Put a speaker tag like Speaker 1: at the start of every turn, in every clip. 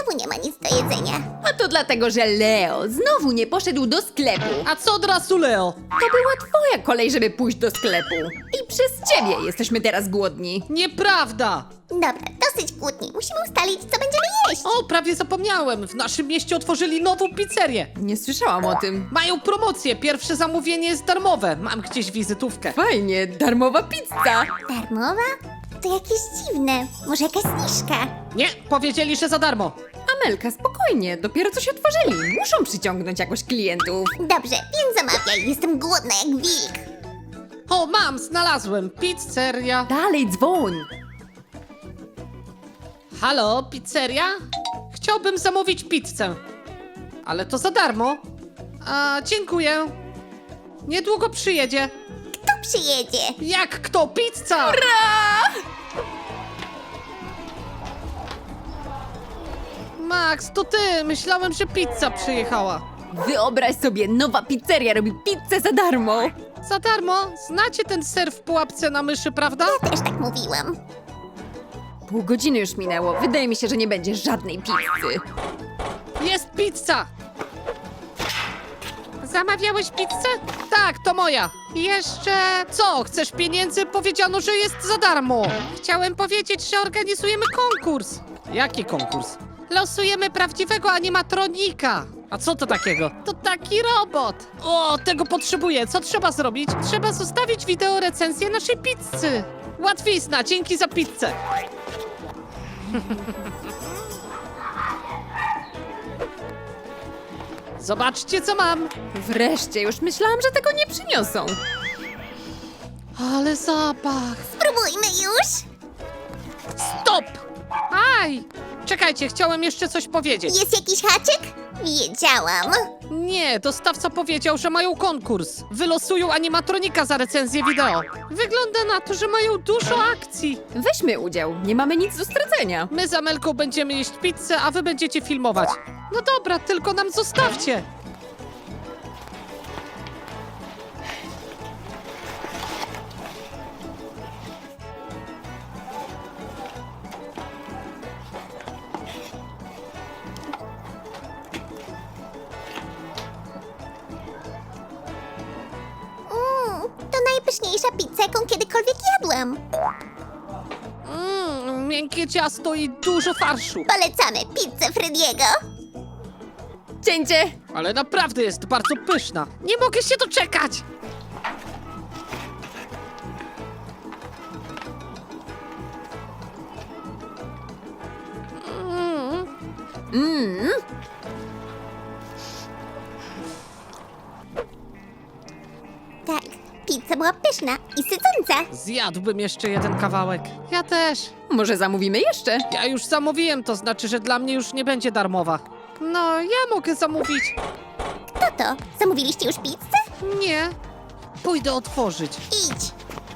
Speaker 1: znowu nie ma nic do jedzenia.
Speaker 2: A to dlatego, że Leo znowu nie poszedł do sklepu.
Speaker 3: A co od razu, Leo?
Speaker 2: To była twoja kolej, żeby pójść do sklepu. I przez ciebie jesteśmy teraz głodni.
Speaker 3: Nieprawda!
Speaker 1: Dobra, dosyć kłótni. Musimy ustalić, co będziemy jeść.
Speaker 3: O, prawie zapomniałem. W naszym mieście otworzyli nową pizzerię.
Speaker 2: Nie słyszałam o tym.
Speaker 3: Mają promocję. Pierwsze zamówienie jest darmowe. Mam gdzieś wizytówkę.
Speaker 2: Fajnie, darmowa pizza.
Speaker 1: Darmowa? To jakieś dziwne. Może jakaś zniżka?
Speaker 3: Nie, powiedzieli, że za darmo.
Speaker 2: Amelka, spokojnie, dopiero coś otworzyli. Muszą przyciągnąć jakoś klientów.
Speaker 1: Dobrze, więc zamawiaj. Jestem głodna jak wilk.
Speaker 3: O, mam, znalazłem. Pizzeria.
Speaker 2: Dalej dzwoń.
Speaker 3: Halo, pizzeria? Chciałbym zamówić pizzę. Ale to za darmo. A, dziękuję. Niedługo przyjedzie.
Speaker 1: Kto przyjedzie?
Speaker 3: Jak kto? Pizza! Max, to ty! Myślałem, że pizza przyjechała.
Speaker 2: Wyobraź sobie, nowa pizzeria robi pizzę za darmo.
Speaker 3: Za darmo? Znacie ten ser w pułapce na myszy, prawda?
Speaker 1: Też tak mówiłam.
Speaker 2: Pół godziny już minęło. Wydaje mi się, że nie będzie żadnej pizzy.
Speaker 3: Jest pizza! Zamawiałeś pizzę? Tak, to moja. Jeszcze... Co, chcesz pieniędzy? Powiedziano, że jest za darmo. Chciałem powiedzieć, że organizujemy konkurs. Jaki konkurs? Losujemy prawdziwego animatronika. A co to takiego? To taki robot. O, tego potrzebuję. Co trzeba zrobić? Trzeba zostawić wideo recenzję naszej pizzy. Łatwizna, dzięki za pizzę. Zobaczcie, co mam.
Speaker 2: Wreszcie, już myślałam, że tego nie przyniosą.
Speaker 3: Ale zapach.
Speaker 1: Spróbujmy już.
Speaker 3: Stop! Aj! Czekajcie, chciałem jeszcze coś powiedzieć.
Speaker 1: Jest jakiś haczyk? Wiedziałam.
Speaker 3: Nie, dostawca powiedział, że mają konkurs. Wylosują animatronika za recenzję wideo. Wygląda na to, że mają dużo akcji.
Speaker 2: Weźmy udział, nie mamy nic do stracenia.
Speaker 3: My z Amelką będziemy jeść pizzę, a wy będziecie filmować. No dobra, tylko nam zostawcie.
Speaker 1: To najpyszniejsza pizza, jaką kiedykolwiek jadłam.
Speaker 3: Miękkie ciasto i dużo farszu.
Speaker 1: Polecamy pizzę Frediego.
Speaker 2: Cięcie!
Speaker 3: Ale naprawdę jest bardzo pyszna. Nie mogę się doczekać.
Speaker 1: Tak, pizza była pyszna i sycąca.
Speaker 3: Zjadłbym jeszcze jeden kawałek. Ja też.
Speaker 2: Może zamówimy jeszcze?
Speaker 3: Ja już zamówiłem, to znaczy, że dla mnie już nie będzie darmowa. No, ja mogę zamówić.
Speaker 1: Kto to? Zamówiliście już pizzę?
Speaker 3: Nie. Pójdę otworzyć.
Speaker 1: Idź.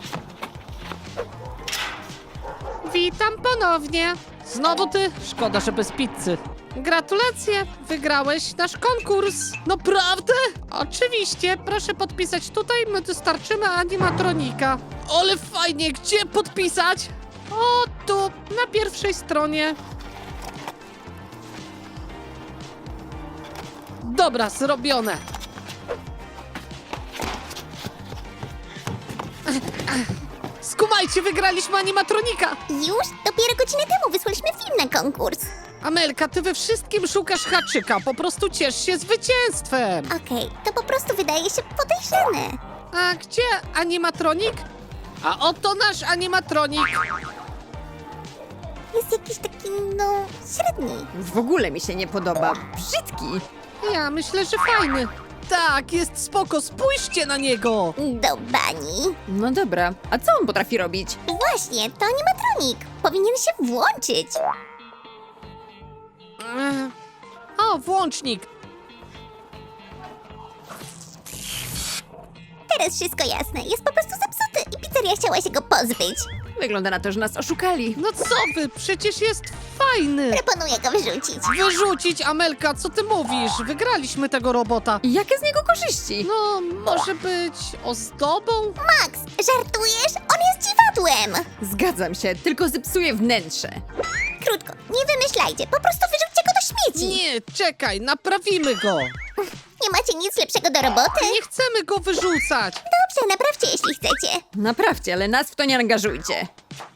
Speaker 3: Witam ponownie. Znowu ty? Szkoda, że bez pizzy. Gratulacje, wygrałeś nasz konkurs. Naprawdę? Oczywiście, proszę podpisać tutaj, my dostarczymy animatronika. Ale fajnie, gdzie podpisać? O, tu, na pierwszej stronie. Dobra, zrobione. Skumajcie, wygraliśmy animatronika.
Speaker 1: Już? Dopiero godzinę temu wysłaliśmy film na konkurs.
Speaker 3: Amelka, ty we wszystkim szukasz haczyka, po prostu ciesz się zwycięstwem.
Speaker 1: Okej, to po prostu wydaje się podejrzane.
Speaker 3: A gdzie animatronik? A oto nasz animatronik.
Speaker 1: Jest jakiś taki, no, średni.
Speaker 2: W ogóle mi się nie podoba. Brzydki.
Speaker 3: Ja myślę, że fajny. Tak, jest spoko, spójrzcie na niego.
Speaker 1: Do bani.
Speaker 2: No dobra, a co on potrafi robić?
Speaker 1: Właśnie, to animatronik. Powinien się włączyć.
Speaker 3: O, włącznik.
Speaker 1: Teraz wszystko jasne. Jest po prostu zepsuty i pizzeria chciała się go pozbyć.
Speaker 2: Wygląda na to, że nas oszukali.
Speaker 3: No co wy, przecież jest fajny.
Speaker 1: Proponuję go wyrzucić.
Speaker 3: Wyrzucić, Amelka, co ty mówisz? Wygraliśmy tego robota.
Speaker 2: I jakie z niego korzyści?
Speaker 3: No, może być ozdobą?
Speaker 1: Max, żartujesz? On jest dziwadłem.
Speaker 2: Zgadzam się, tylko zepsuje wnętrze.
Speaker 1: Krótko, nie wymyślajcie. Po prostu wyrzućcie go do śmieci.
Speaker 3: Nie, czekaj, naprawimy go.
Speaker 1: Nie macie nic lepszego do roboty?
Speaker 3: Nie chcemy go wyrzucać.
Speaker 1: Dobrze, naprawcie, jeśli chcecie.
Speaker 2: Naprawcie, ale nas w to nie angażujcie.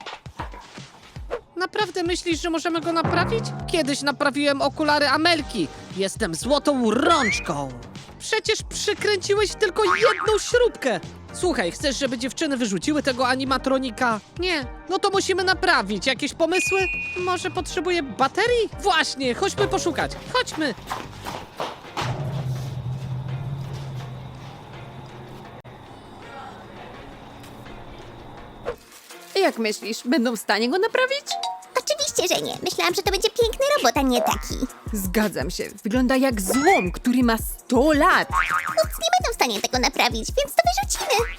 Speaker 3: Naprawdę myślisz, że możemy go naprawić? Kiedyś naprawiłem okulary Amelki. Jestem złotą rączką. Przecież przykręciłeś tylko jedną śrubkę. Słuchaj, chcesz, żeby dziewczyny wyrzuciły tego animatronika? Nie. No to musimy naprawić. Jakieś pomysły? Może potrzebuje baterii? Właśnie, chodźmy poszukać. Chodźmy.
Speaker 2: Jak myślisz, będą w stanie go naprawić?
Speaker 1: Oczywiście, że nie. Myślałam, że to będzie piękny robot, a nie taki.
Speaker 2: Zgadzam się. Wygląda jak złom, który ma 100 lat.
Speaker 1: Chłopcy nie będą w stanie tego naprawić, więc to wyrzucimy.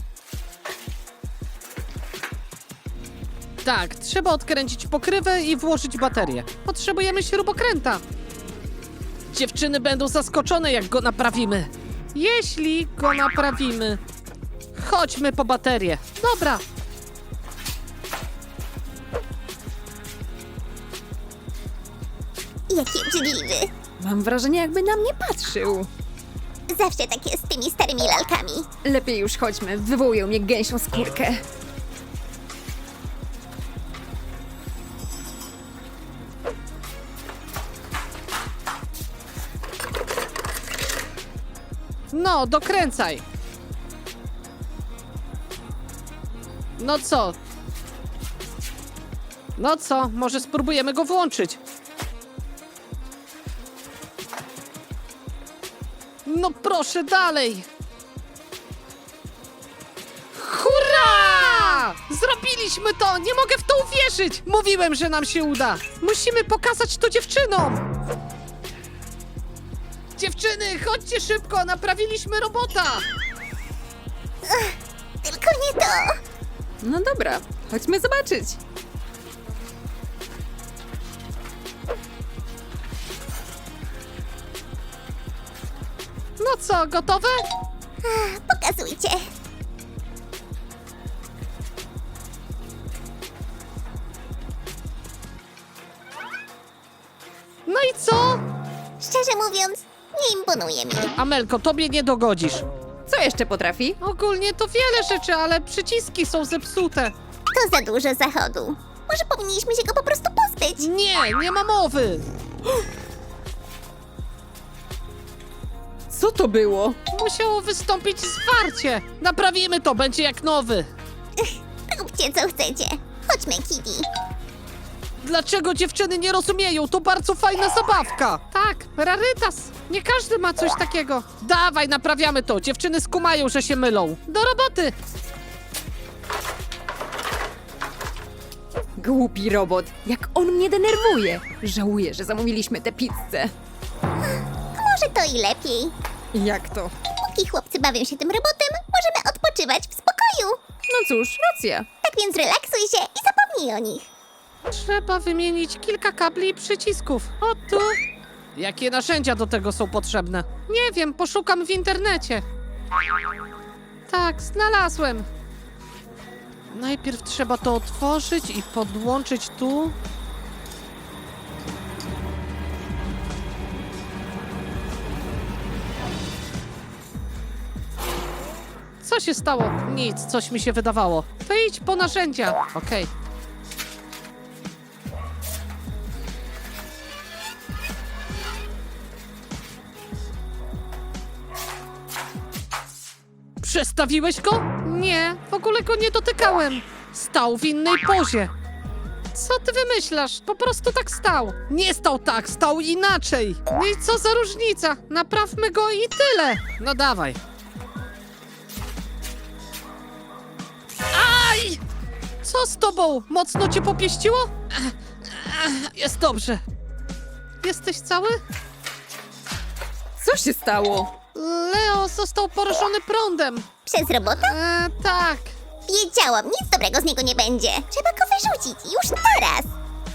Speaker 3: Tak, trzeba odkręcić pokrywę i włożyć baterię. Potrzebujemy śrubokręta. Dziewczyny będą zaskoczone, jak go naprawimy. Jeśli go naprawimy. Chodźmy po baterię. Dobra.
Speaker 1: Jaki obrzydliwy.
Speaker 2: Mam wrażenie, jakby na mnie patrzył.
Speaker 1: Zawsze tak jest z tymi starymi lalkami.
Speaker 2: Lepiej już chodźmy, wywołują mnie gęsią skórkę.
Speaker 3: No, dokręcaj. No co? No co? Może spróbujemy go włączyć. No proszę, dalej! Hurra! Zrobiliśmy to! Nie mogę w to uwierzyć! Mówiłem, że nam się uda! Musimy pokazać to dziewczynom! Dziewczyny, chodźcie szybko! Naprawiliśmy robota!
Speaker 1: Tylko nie to.
Speaker 2: No dobra, chodźmy zobaczyć.
Speaker 3: No co, gotowe?
Speaker 1: Pokazujcie.
Speaker 3: No i co?
Speaker 1: Szczerze mówiąc, nie imponuje mi.
Speaker 3: Amelko, tobie nie dogodzisz.
Speaker 2: Co jeszcze potrafi?
Speaker 3: Ogólnie to wiele rzeczy, ale przyciski są zepsute.
Speaker 1: To za dużo zachodu. Może powinniśmy się go po prostu pozbyć.
Speaker 3: Nie, nie ma mowy.
Speaker 2: Co to było?
Speaker 3: Musiało wystąpić zwarcie. Naprawimy to, będzie jak nowy.
Speaker 1: Róbcie co chcecie. Chodźmy, Kitty.
Speaker 3: Dlaczego dziewczyny nie rozumieją? To bardzo fajna zabawka. Tak, rarytas. Nie każdy ma coś takiego. Dawaj, naprawiamy to. Dziewczyny skumają, że się mylą. Do roboty.
Speaker 2: Głupi robot, jak on mnie denerwuje. Żałuję, że zamówiliśmy tę pizzę.
Speaker 1: Może to i lepiej.
Speaker 2: Jak to?
Speaker 1: Póki chłopcy bawią się tym robotem, możemy odpoczywać w spokoju.
Speaker 2: No cóż, racja.
Speaker 1: Tak więc relaksuj się i zapomnij o nich.
Speaker 3: Trzeba wymienić kilka kabli i przycisków. O tu. Jakie narzędzia do tego są potrzebne? Nie wiem, poszukam w internecie. Tak, znalazłem. Najpierw trzeba to otworzyć i podłączyć tu. Co się stało? Nic, coś mi się wydawało. To idź po narzędzia. Okej. Przestawiłeś go? Nie, w ogóle go nie dotykałem. Stał w innej pozie. Co ty wymyślasz? Po prostu tak stał. Nie stał tak, stał inaczej. No i co za różnica? Naprawmy go i tyle. No dawaj. Aj! Co z tobą? Mocno cię popieściło? Jest dobrze. Jesteś cały?
Speaker 2: Co się stało?
Speaker 3: Leo został porażony prądem.
Speaker 1: Przez robota?
Speaker 3: Tak.
Speaker 1: Wiedziałam, nic dobrego z niego nie będzie. Trzeba go wyrzucić, już teraz.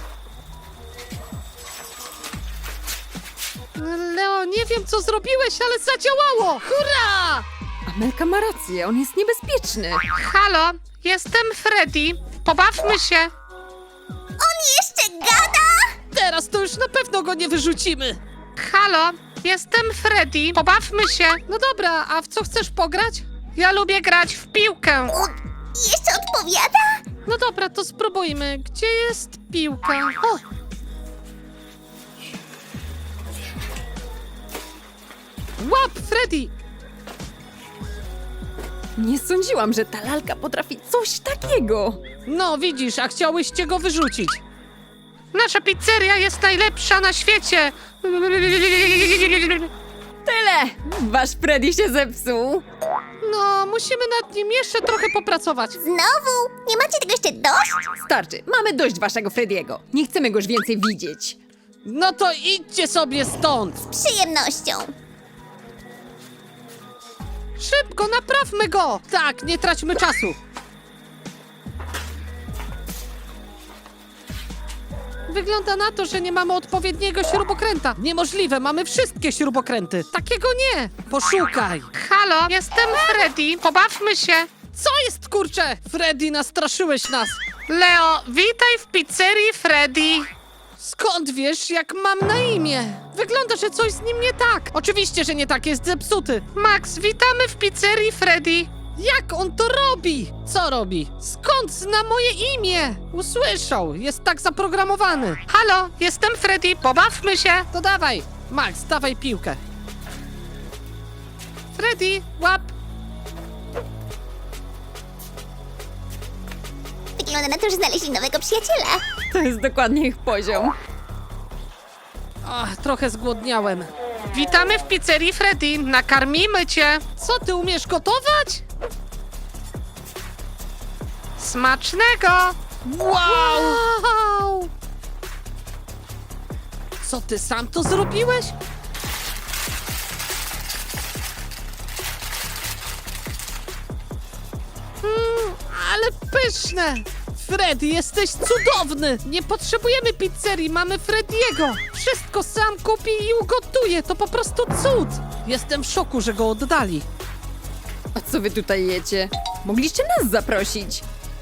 Speaker 3: Leo, nie wiem co zrobiłeś, ale zadziałało! Hurra!
Speaker 2: Amelka ma rację, on jest niebezpieczny.
Speaker 3: Halo, jestem Freddy. Pobawmy się.
Speaker 1: On jeszcze gada?
Speaker 3: Teraz to już na pewno pewno go nie wyrzucimy. Halo, jestem Freddy, pobawmy się. No dobra, a w co chcesz pograć? Ja lubię grać w piłkę.
Speaker 1: Jeszcze odpowiada?
Speaker 3: No dobra, to spróbujmy. Gdzie jest piłka? O! Łap, Freddy!
Speaker 2: Nie sądziłam, że ta lalka potrafi coś takiego.
Speaker 3: No, widzisz, a chciałyście go wyrzucić. Nasza pizzeria jest najlepsza na świecie.
Speaker 2: Tyle! Wasz Freddy się zepsuł.
Speaker 3: No, musimy nad nim jeszcze trochę popracować.
Speaker 1: Znowu? Nie macie tego jeszcze dość?
Speaker 2: Starczy, mamy dość waszego Frediego. Nie chcemy go już więcej widzieć.
Speaker 3: No to idźcie sobie stąd.
Speaker 1: Z przyjemnością.
Speaker 3: Szybko, naprawmy go. Tak, nie traćmy czasu. Wygląda na to, że nie mamy odpowiedniego śrubokręta. Niemożliwe, mamy wszystkie śrubokręty. Takiego nie. Poszukaj. Halo, jestem Freddy. Pobawmy się. Co jest, kurczę? Freddy, nastraszyłeś nas. Leo, witaj w pizzerii Freddy. Skąd wiesz, jak mam na imię? Wygląda, że coś z nim nie tak. Oczywiście, że nie tak, jest zepsuty. Max, witamy w pizzerii Freddy. Jak on to robi? Co robi? Skąd zna moje imię? Usłyszał, jest tak zaprogramowany. Halo, jestem Freddy, pobawmy się. To dawaj, Max, dawaj piłkę. Freddy, łap.
Speaker 1: Wygląda na to, że znaleźli nowego przyjaciela.
Speaker 2: To jest dokładnie ich poziom.
Speaker 3: Ach, trochę zgłodniałem. Witamy w pizzerii Freddy, nakarmimy cię. Co, ty umiesz gotować? Smacznego! Wow! Co, ty sam to zrobiłeś? Ale pyszne! Freddy, jesteś cudowny! Nie potrzebujemy pizzerii, mamy Frediego! Wszystko sam kupi i ugotuje, to po prostu cud! Jestem w szoku, że go oddali.
Speaker 2: A co wy tutaj jecie? Mogliście nas zaprosić.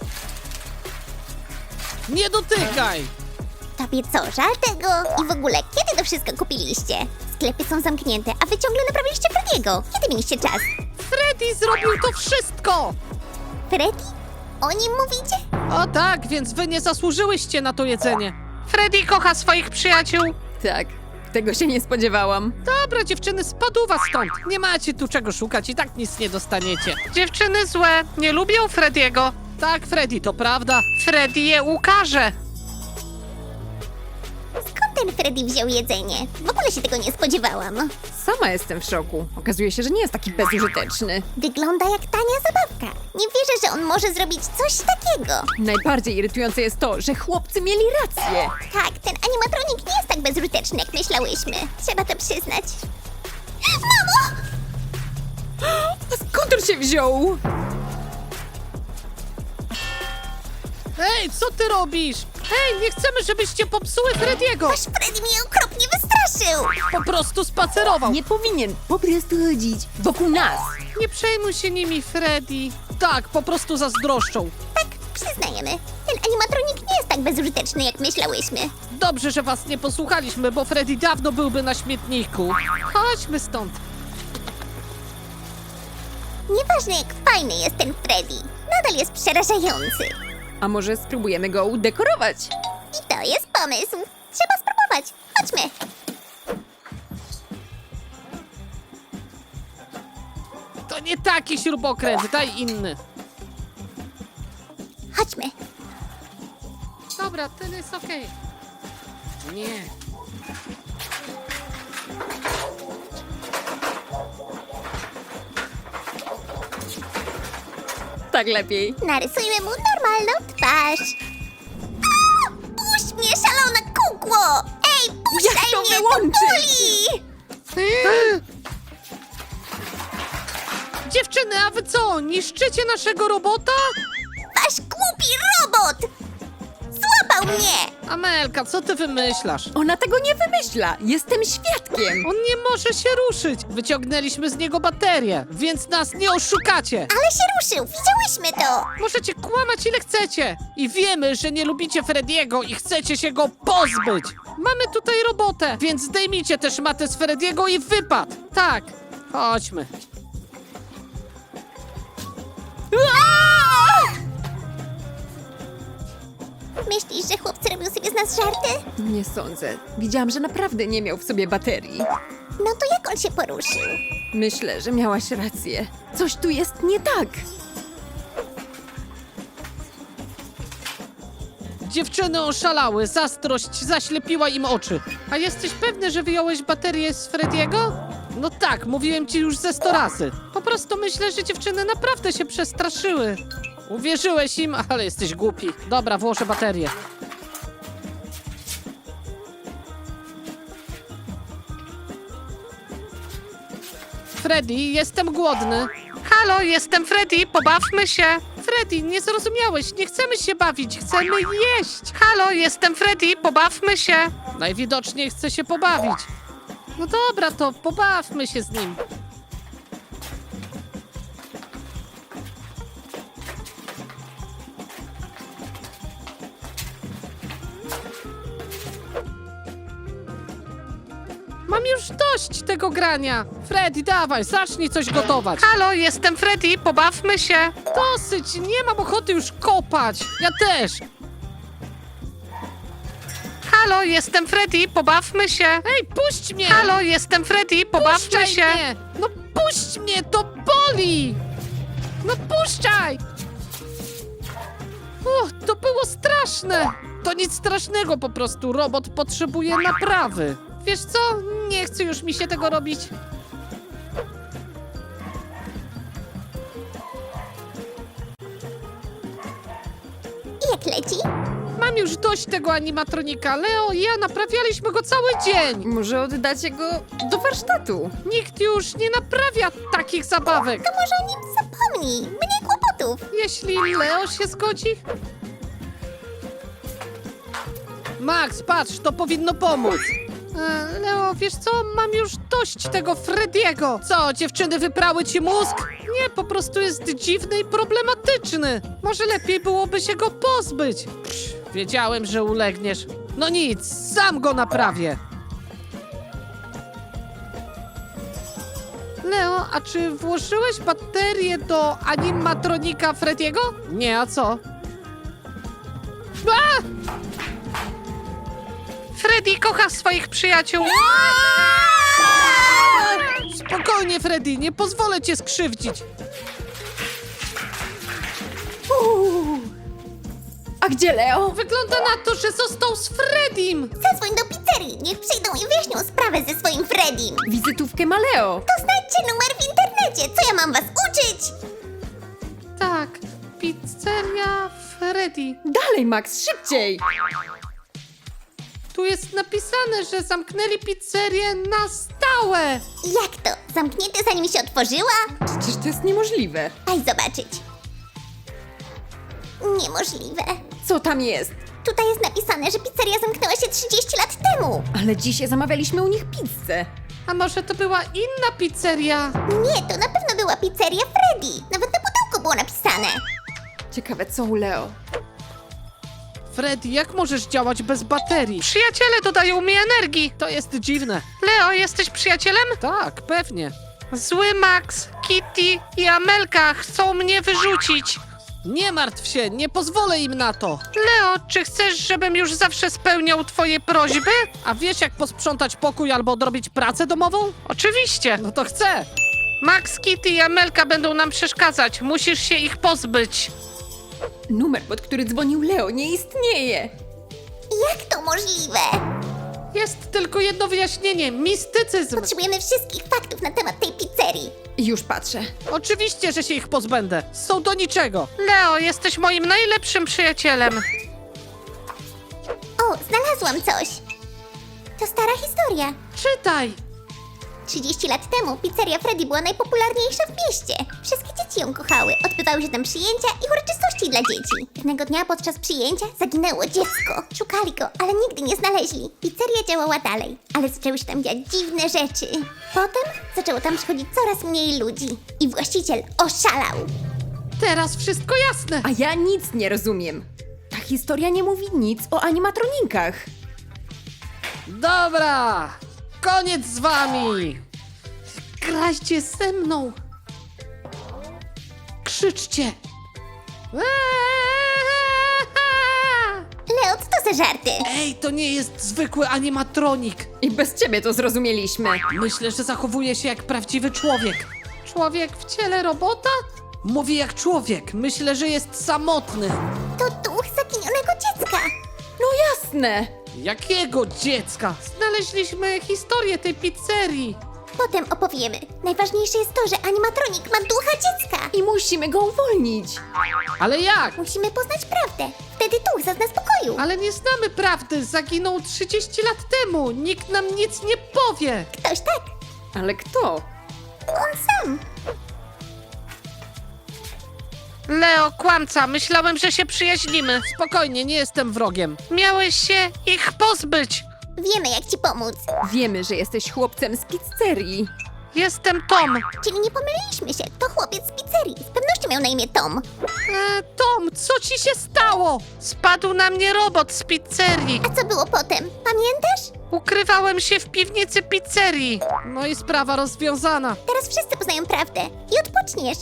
Speaker 3: Nie dotykaj!
Speaker 1: Tobie co, żal tego? I w ogóle, kiedy to wszystko kupiliście? Sklepy są zamknięte, a wy ciągle naprawiliście Frediego. Kiedy mieliście czas?
Speaker 3: Freddy zrobił to wszystko!
Speaker 1: Freddy? O nim mówicie?
Speaker 3: O tak, więc wy nie zasłużyłyście na to jedzenie. Freddy kocha swoich przyjaciół.
Speaker 2: Tak, tego się nie spodziewałam.
Speaker 3: Dobra, dziewczyny, spadł was stąd. Nie macie tu czego szukać i tak nic nie dostaniecie. Dziewczyny złe, nie lubią Frediego. Tak, Freddy, to prawda. Freddy je ukaże.
Speaker 1: Skąd ten Freddy wziął jedzenie? W ogóle się tego nie spodziewałam.
Speaker 2: Sama jestem w szoku. Okazuje się, że nie jest taki bezużyteczny.
Speaker 1: Wygląda jak tania zabawka. Nie wierzę, że on może zrobić coś takiego.
Speaker 2: Najbardziej irytujące jest to, że chłopcy mieli rację.
Speaker 1: Tak, ten animatronik nie jest tak bezużyteczny, jak myślałyśmy. Trzeba to przyznać. Mamo!
Speaker 2: A skąd on się wziął?
Speaker 3: Hej, co ty robisz? Hej, nie chcemy, żebyście popsuły Frediego.
Speaker 1: Wasz Freddy mnie okropnie wystraszył.
Speaker 3: Po prostu spacerował.
Speaker 2: Nie powinien po prostu chodzić wokół nas.
Speaker 3: Nie przejmuj się nimi, Freddy. Tak, po prostu zazdroszczą.
Speaker 1: Tak, przyznajemy. Ten animatronik nie jest tak bezużyteczny, jak myślałyśmy.
Speaker 3: Dobrze, że was nie posłuchaliśmy, bo Freddy dawno byłby na śmietniku. Chodźmy stąd.
Speaker 1: Nieważne, jak fajny jest ten Freddy. Nadal jest przerażający.
Speaker 2: A może spróbujemy go udekorować?
Speaker 1: I to jest pomysł. Trzeba spróbować. Chodźmy.
Speaker 3: To nie taki śrubokręt, daj inny.
Speaker 1: Chodźmy.
Speaker 3: Dobra, ten jest okej. Nie.
Speaker 2: Tak lepiej.
Speaker 1: Narysujmy mu normalną twarz. A! Puść mnie, szalona kukło! Ej, puszczaj
Speaker 2: Jak to
Speaker 1: mnie,
Speaker 2: wyłączyć?
Speaker 1: to boli!
Speaker 3: Dziewczyny, a wy co? Niszczycie naszego robota?
Speaker 1: Wasz głupi robot! Złapał mnie!
Speaker 3: Amelka, co ty wymyślasz?
Speaker 2: Ona tego nie wymyśla. Jestem świadkiem.
Speaker 3: On nie może się ruszyć. Wyciągnęliśmy z niego baterię, więc nas nie oszukacie.
Speaker 1: Ale się ruszył, widziałyśmy to!
Speaker 3: Możecie kłamać ile chcecie. I wiemy, że nie lubicie Frediego i chcecie się go pozbyć. Mamy tutaj robotę, więc zdejmijcie też matę z Frediego i wypad. Tak, chodźmy.
Speaker 1: Myślisz, że chłopcy robią sobie z nas żarty?
Speaker 2: Nie sądzę. Widziałam, że naprawdę nie miał w sobie baterii.
Speaker 1: No to jak on się poruszył?
Speaker 2: Myślę, że miałaś rację. Coś tu jest nie tak.
Speaker 3: Dziewczyny oszalały, zazdrość zaślepiła im oczy. A jesteś pewny, że wyjąłeś baterię z Frediego? No tak, mówiłem ci już ze 100 razy. Po prostu myślę, że dziewczyny naprawdę się przestraszyły. Uwierzyłeś im, ale jesteś głupi. Dobra, włożę baterię. Freddy, jestem głodny. Halo, jestem Freddy, pobawmy się. Freddy, nie zrozumiałeś, nie chcemy się bawić, chcemy jeść. Halo, jestem Freddy, pobawmy się. Najwidoczniej chce się pobawić. No dobra, to pobawmy się z nim. Mam już dość tego grania. Freddy, dawaj, zacznij coś gotować. Halo, jestem Freddy, pobawmy się. Dosyć, nie mam ochoty już kopać. Ja też. Halo, jestem Freddy, pobawmy się. Ej, puść mnie. Halo, jestem Freddy, pobawmy się. Mnie. No puść mnie, to boli. No puszczaj. To było straszne. To nic strasznego po prostu, robot potrzebuje naprawy. Wiesz co? Nie chcę już mi się tego robić.
Speaker 1: I jak leci?
Speaker 3: Mam już dość tego animatronika. Leo i ja naprawialiśmy go cały dzień.
Speaker 2: Może oddacie go do warsztatu?
Speaker 3: Nikt już nie naprawia takich zabawek.
Speaker 1: To może o nim zapomnij. Mniej kłopotów.
Speaker 3: Jeśli Leo się zgodzi. Max, patrz, to powinno pomóc. Leo, wiesz co? Mam już dość tego Frediego. Co, dziewczyny wyprały ci mózg? Nie, po prostu jest dziwny i problematyczny. Może lepiej byłoby się go pozbyć. Wiedziałem, że ulegniesz. No nic, sam go naprawię. Leo, a czy włożyłeś baterię do animatronika Frediego? Nie, a co? A! Freddy kocha swoich przyjaciół. Spokojnie, Freddy, nie pozwolę cię skrzywdzić.
Speaker 2: A gdzie Leo?
Speaker 3: Wygląda na to, że został z Freddym.
Speaker 1: Zadzwoń do pizzerii. Niech przyjdą i wyjaśnią sprawę ze swoim Freddym.
Speaker 2: Wizytówkę ma Leo.
Speaker 1: To znajdźcie numer w internecie. Co ja mam was uczyć?
Speaker 3: Tak, pizzeria Freddy.
Speaker 2: Dalej, Max, szybciej!
Speaker 3: Tu jest napisane, że zamknęli pizzerię na stałe.
Speaker 1: Jak to? Zamknięte zanim się otworzyła?
Speaker 2: Przecież to jest niemożliwe.
Speaker 1: Daj zobaczyć. Niemożliwe.
Speaker 2: Co tam jest?
Speaker 1: Tutaj jest napisane, że pizzeria zamknęła się 30 lat temu.
Speaker 2: Ale dzisiaj zamawialiśmy u nich pizzę.
Speaker 3: A może to była inna pizzeria?
Speaker 1: Nie, to na pewno była pizzeria Freddy. Nawet na pudełku było napisane.
Speaker 2: Ciekawe, co u Leo.
Speaker 3: Freddy, jak możesz działać bez baterii? Przyjaciele dodają mi energii. To jest dziwne. Leo, jesteś przyjacielem? Tak, pewnie. Zły Max, Kitty i Amelka chcą mnie wyrzucić. Nie martw się, nie pozwolę im na to. Leo, czy chcesz, żebym już zawsze spełniał twoje prośby? A wiesz, jak posprzątać pokój albo odrobić pracę domową? Oczywiście, no to chcę. Max, Kitty i Amelka będą nam przeszkadzać. Musisz się ich pozbyć.
Speaker 2: Numer, pod który dzwonił Leo, nie istnieje.
Speaker 1: Jak to możliwe?
Speaker 3: Jest tylko jedno wyjaśnienie. Mistycyzm.
Speaker 1: Potrzebujemy wszystkich faktów na temat tej pizzerii.
Speaker 2: Już patrzę.
Speaker 3: Oczywiście, że się ich pozbędę. Są do niczego. Leo, jesteś moim najlepszym przyjacielem.
Speaker 1: O, znalazłam coś. To stara historia.
Speaker 3: Czytaj.
Speaker 1: 30 lat temu pizzeria Freddy była najpopularniejsza w mieście. Wszystkie dzieci ją kochały, odbywały się tam przyjęcia i uroczystości dla dzieci. Pewnego dnia podczas przyjęcia zaginęło dziecko. Szukali go, ale nigdy nie znaleźli. Pizzeria działała dalej, ale zaczęły się tam dziać dziwne rzeczy. Potem zaczęło tam przychodzić coraz mniej ludzi i właściciel oszalał.
Speaker 3: Teraz wszystko jasne.
Speaker 2: A ja nic nie rozumiem. Ta historia nie mówi nic o animatronikach.
Speaker 3: Dobra, koniec z wami. Grajcie ze mną. Krzyczcie.
Speaker 1: Leo, co to za żarty?
Speaker 3: Ej, to nie jest zwykły animatronik.
Speaker 2: I bez ciebie to zrozumieliśmy.
Speaker 3: Myślę, że zachowuje się jak prawdziwy człowiek. Człowiek w ciele robota? Mówi jak człowiek. Myślę, że jest samotny.
Speaker 1: To duch zaginionego dziecka.
Speaker 2: No jasne.
Speaker 3: Jakiego dziecka? Znaleźliśmy historię tej pizzerii.
Speaker 1: Potem opowiemy. Najważniejsze jest to, że animatronik ma ducha dziecka.
Speaker 2: I musimy go uwolnić.
Speaker 3: Ale jak?
Speaker 1: Musimy poznać prawdę. Wtedy duch zazna spokoju.
Speaker 3: Ale nie znamy prawdy. Zaginął 30 lat temu. Nikt nam nic nie powie.
Speaker 1: Ktoś tak.
Speaker 2: Ale kto?
Speaker 1: On sam.
Speaker 3: Leo, kłamca. Myślałem, że się przyjaźnimy. Spokojnie, nie jestem wrogiem. Miałeś się ich pozbyć.
Speaker 1: Wiemy, jak ci pomóc.
Speaker 2: Wiemy, że jesteś chłopcem z pizzerii.
Speaker 3: Jestem Tom.
Speaker 1: Czyli nie pomyliliśmy się. To chłopiec z pizzerii. Z pewnością miał na imię Tom.
Speaker 3: Tom, co ci się stało? Spadł na mnie robot z pizzerii.
Speaker 1: A co było potem? Pamiętasz?
Speaker 3: Ukrywałem się w piwnicy pizzerii. No i sprawa rozwiązana.
Speaker 1: Teraz wszyscy poznają prawdę. I odpoczniesz.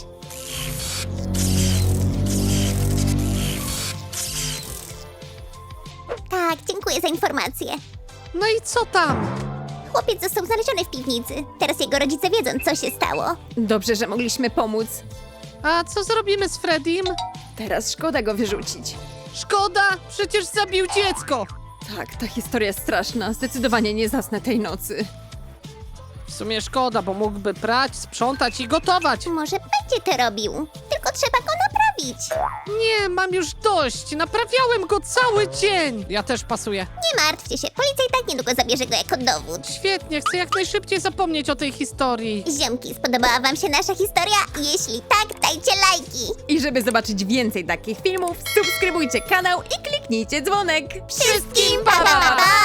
Speaker 1: Tak, dziękuję za informację.
Speaker 3: No i co tam?
Speaker 1: Chłopiec został znaleziony w piwnicy. Teraz jego rodzice wiedzą, co się stało.
Speaker 2: Dobrze, że mogliśmy pomóc.
Speaker 3: A co zrobimy z Freddym?
Speaker 2: Teraz szkoda go wyrzucić.
Speaker 3: Szkoda, przecież zabił dziecko.
Speaker 2: Tak, ta historia jest straszna. Zdecydowanie nie zasnę tej nocy.
Speaker 3: W sumie szkoda, bo mógłby prać, sprzątać i gotować.
Speaker 1: Może będzie to robił. Tylko trzeba go naprawić.
Speaker 3: Nie, mam już dość. Naprawiałem go cały dzień. Ja też pasuję.
Speaker 1: Nie martwcie się, policja i tak niedługo zabierze go jako dowód.
Speaker 3: Świetnie, chcę jak najszybciej zapomnieć o tej historii.
Speaker 1: Ziomki, spodobała wam się nasza historia? Jeśli tak, dajcie lajki.
Speaker 2: I żeby zobaczyć więcej takich filmów, subskrybujcie kanał i kliknijcie dzwonek.
Speaker 1: Wszystkim pa, pa, pa, pa!